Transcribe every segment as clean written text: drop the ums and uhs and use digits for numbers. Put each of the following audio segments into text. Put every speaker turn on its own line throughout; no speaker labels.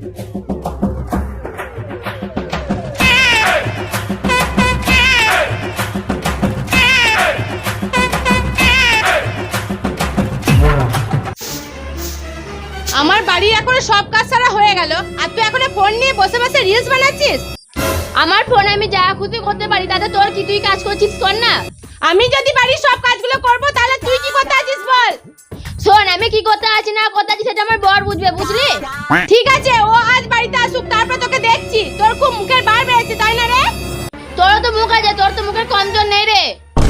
আমার বাড়ির এখন সব কাজ সারা হয়ে গেল, আর তুই এখন ফোন নিয়ে বসে বসে রিলস বানাচ্ছিস।
আমার ফোন আমি যা খুশি করতে পারি, তাতে তোর কি? তুই কাজ করছিস, কর না।
আমি যদি বাড়ির সব কাজগুলো করব তাহলে তুই কি করতে আছিস বল।
শোন, আমি কি করতে আছি না করতে আছি সেটা আমার বর বুঝবে, বুঝলি?
ঠিক আছে, ও আজ বাড়িতে আসুক, তারপর তোকে দেখছি। তোর খুব মুখের বার বেড়েছে, তাই না রে?
তোরও তো মুখ আছে, তোর তো মুখের কমজোর নেই রে।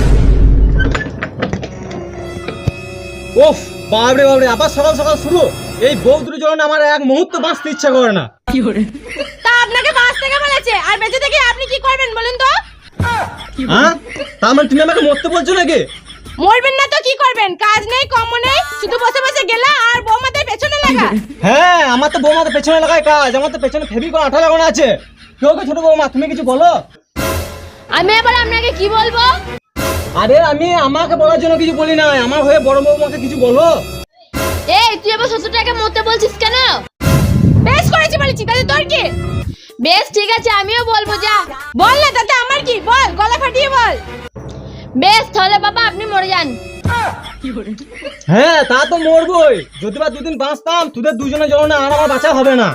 ওফ, বাবরে বাবরে, আবার সকাল সকাল শুরু। এই বউ দুটোর জন্য আমার এক মুহূর্ত বাঁচতে ইচ্ছা করে না।
তা আপনাকে বাঁচ থেকে বলেছে, আর বেঁচে থেকে আপনি কি করবেন বলুন তো?
হ্যাঁ, তার মানে তুমি আমাকে মরতে বলছো নাকি?
মরবেন না তো কি করবেন? কাজ নেই, কম্ম নেই, শুধু বসে বসে গেলা আর বৌমাদের পেছনে লাগা।
হ্যাঁ, আমার তো বৌমাদের পেছনে লাগায় কাজ। আমার তো পেছনে ফেভিকল আঠা লাগানো আছে। কেউ ছোট বৌমা, তুমি কিছু বলো।
আমি এবার আপনাকে কি বলবো?
আরে আমি আমাকে বলার জন্য কিছু বলি নাই, আমার হয়ে বড় বৌমাকে কিছু বলো।
এই তুই এবার শ্বশুরটাকে মরতে বলছিস কেন?
বেশ করেছি বলেছি, তাহলে তোর কি?
বেশ ঠিক আছে, আমিও বলবো, যা
বল না, তাতে আমার কি? বল, গলা ফাটিয়ে বল।
বেশ, তাহলে বাবা আপনি মরে যান।
হ্যাঁ, তা তো মরবই। যদি বা দুদিন বাঁচতাম, তোদের দুজনের জন্য আর আমার বাঁচা হবে না।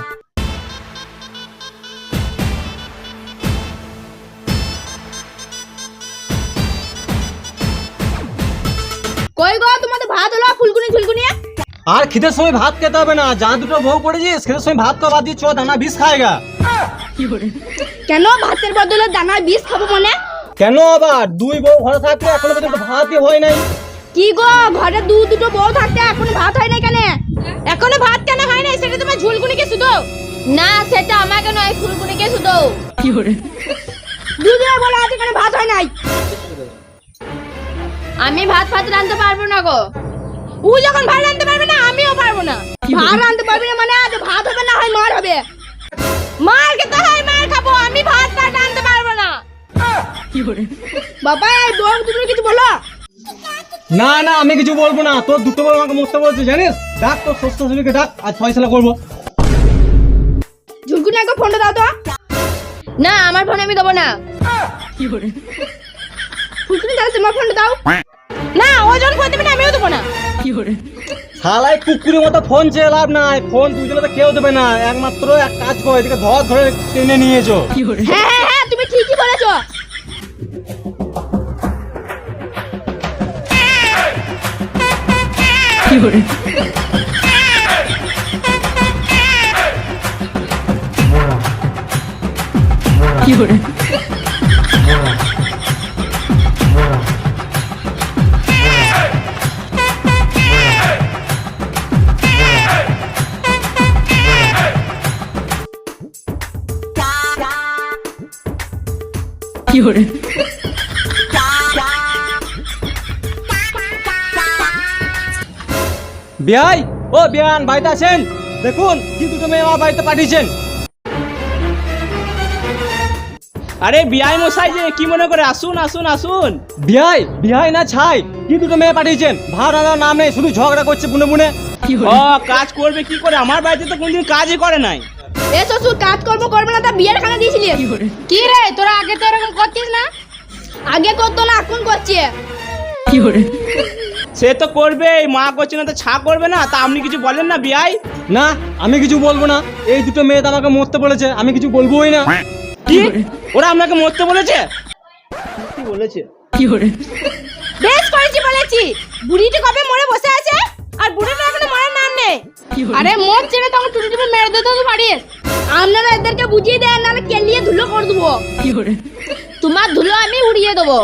কই গো, তোমাদের ভাত হলো? ফুলকুনি ঝুলকুনি।
আর খিদের সময় ভাত খেতে হবে না। যা দুটো বউ পড়েছিস, খিদের সময় ভাত খাওয়া দিয়ে চো, দানা বিষ খায়গা।
কেন ভাতের বদলে দানার বিষ খাবো মনে?
কেন আবার? দুই বউ ঘরে থাকতে এখনো পর্যন্ত ভাতই হয় নাই।
কি গো, ঘরে দুটো বউ থাকতে এখনো ভাত হয় নাই কেন? এখনো ভাত কেন হয় নাই? সেটা তোমার ঝুলকুনিকে শুধু?
না, সেটা আমাকে নয়, ফুলকুনিকে শুধু।
দুদিনে বলে আজ এখানে ভাত হয় নাই।
আমি ভাত ফাত রাঁধতে পারবো না গো।
ও যখন ভাত রাঁধতে পারবে না, আমিও পারবো না। ভাত রাঁধতে পারবি না মানে আজ ভাত হবে না হয় মার হবে। মার খেতে হয়, মার খাবো। আমি ভাত রাঁধতে পারবো না। বাবা, এই বউ দুটো কিছু বলো।
না না, আমি কিছু বলবো না। তোর দুটো বউ আমাকে মরতে বলছে, জানিস? ডাক তোর শ্বশুর শাশুড়িকে ডাক, আজ ফয়সালা করবো।
ঝুলকুনি একবার ফোনটা দাও তো।
না, আমার ফোন আমি দেবো না।
ফুলকুনি দাও, তোমার ফোনটা দাও। না, ও যখন ফোন দেবে না, আমিও দেবো না।
শালাই কুকুরের মতো ফোন চেয়ে লাভ নাই। ফোন দুজনে তো কেউ দেবে না। একমাত্র এক কাজ করো, এদিকে ধরে টেনে নিয়েছো।
হ্যাঁ হ্যাঁ হ্যাঁ, তুমি ঠিকই বলেছো।
বিয়াই, ও বিয়ান, বাড়িতে আছেন? দেখুন কি দুটো মেয়ে আমার বাড়িতে পাঠিয়েছেন।
আরে বিআই মশাই যে, কি মনে করে? আসুন আসুন আসুন।
বিয়াই, বিয়াই না ছাই, কি দুটো মেয়ে পাঠিয়েছেন? ভাত রান্নার নাম নেই, শুধু ঝগড়া করছে বুনে বুনে।
ও, কাজ করবে কি করে? আমার বাড়িতে তো কোনদিন কাজই করে নাই।
এ শ্বশুর, কাজ করবে না, তা বিয়ের খানা দিয়েছিলি? কি রে, তোরা আগে তো এরকম করতিস না? আগে করতো না, এখন করছে।
সে তো করবে, মা করছে না তো ছা করবে না? তা আপনি কিছু বলেন না বিআই?
না, আমি কিছু বলবো না। এই দুটো মেয়ে তো আমাকে মরতে বলেছে, আমি কিছু বলবোই না।
কি? ওরা আপনাকে মরতে বলেছে? কি বলেছে?
বেশ করেছি বলেছি। বুড়িটা কবে মরে বসে আছে, আর বুড়িটা এখনো মরার নাম নেই। আরে মোর ছেলে তখন টুটি টুটি মেরে দিতে তো পারিস। আপনারা এদেরকে বুঝিয়ে দেন, নাহলে কেলিয়ে ধুলো করে দেবো।
তোমার ধুলো আমি উড়িয়ে দেবো।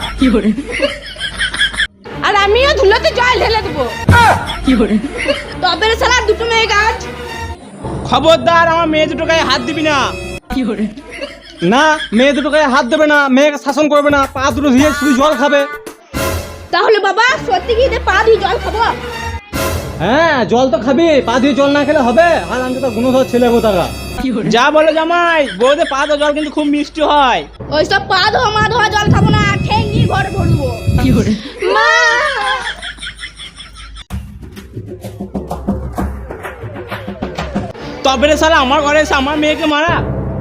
আর আমিও ধুলোতে জল ঢেলে দেবো। তবে রে শালা, দুটো মেয়ে গাছ।
খবরদার, আমার মেয়ে দুটো গায়ে হাত দিবি না।
না, মেয়ে দুটো গায়ে হাত দেবে না, মেয়েকে শাসন করবে না, পা দুটো ধুয়ে শুধু জল খাবে।
তাহলে বাবা সত্যি কি পা দিয়ে জল খাবো?
হ্যাঁ, জল তো খাবি, পা দিয়ে জল না খেলে হবে? আর আমি তো গুণধর ছেলে গোতারা।
যা বলো জামাই, বৌদের পা তো জল কিন্তু খুব মিষ্টি হয়।
ওইসব পা ধোয়া মা ধোয়া জল খাবো না, ঠেঙ্গি ঘরে ভরবো। মা,
তবে রে শালা আমার ঘরে এসে আমার মেয়েকে মারা।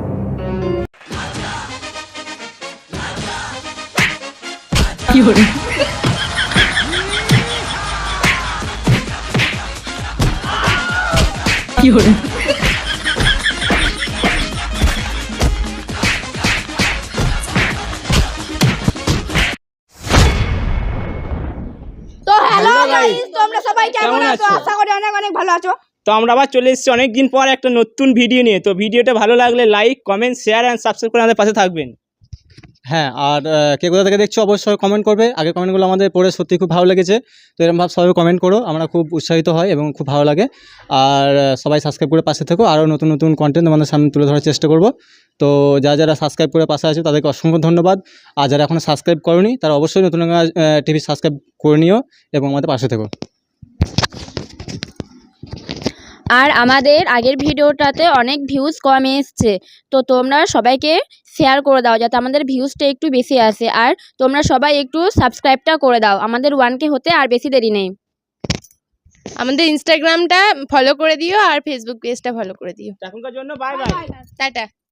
তো হ্যালো
Hello guys,
গাইস, তোমরা সবাই কেমন
কেমন
আছো?
আছো?
আশা করি অনেক অনেক ভালো আছো।
তো আমরা আবার চলে এসেছি অনেকদিন পর একটা নতুন ভিডিও নিয়ে। তো ভিডিওটা ভালো লাগলে like comment share and subscribe করে আমাদের পাশে থাকবেন।
হ্যাঁ, আর কে কোথা থেকে দেখছো অবশ্যই কমেন্ট করবে। আগের কমেন্টগুলো আমাদের পড়ে সত্যি খুব ভালো লেগেছে। তো এরকম ভাব সবাই কমেন্ট করো, আমরা খুব উৎসাহিত হয় এবং খুব ভালো লাগে। আর সবাই সাবস্ক্রাইব করে পাশে থেকো, আরও নতুন নতুন কন্টেন্ট আমাদের সামনে তুলে ধরার চেষ্টা করব। তো যারা সাবস্ক্রাইব করে পাশে আছে তাদেরকে অসংখ্য ধন্যবাদ। আর যারা এখনও সাবস্ক্রাইব করোনি তারা অবশ্যই নতুন টিভি সাবস্ক্রাইব করে নিও এবং আমাদের পাশে থেকো।
আর আমাদের আগের ভিডিওটাতে অনেক ভিউজ কম এসছে, তো তোমরা সবাইকে শেয়ার করে দাও যাতে আমাদের ভিউজটা একটু বেশি আসে। আর তোমরা সবাই একটু সাবস্ক্রাইবটা করে দাও, আমাদের 1K হতে আর বেশি দেরি নেই।
আমাদের ইনস্টাগ্রামটা ফলো করে দিও আর ফেসবুক পেজটা ফলো করে দিও।
এখনকার জন্য বাই বাই।
টাটা।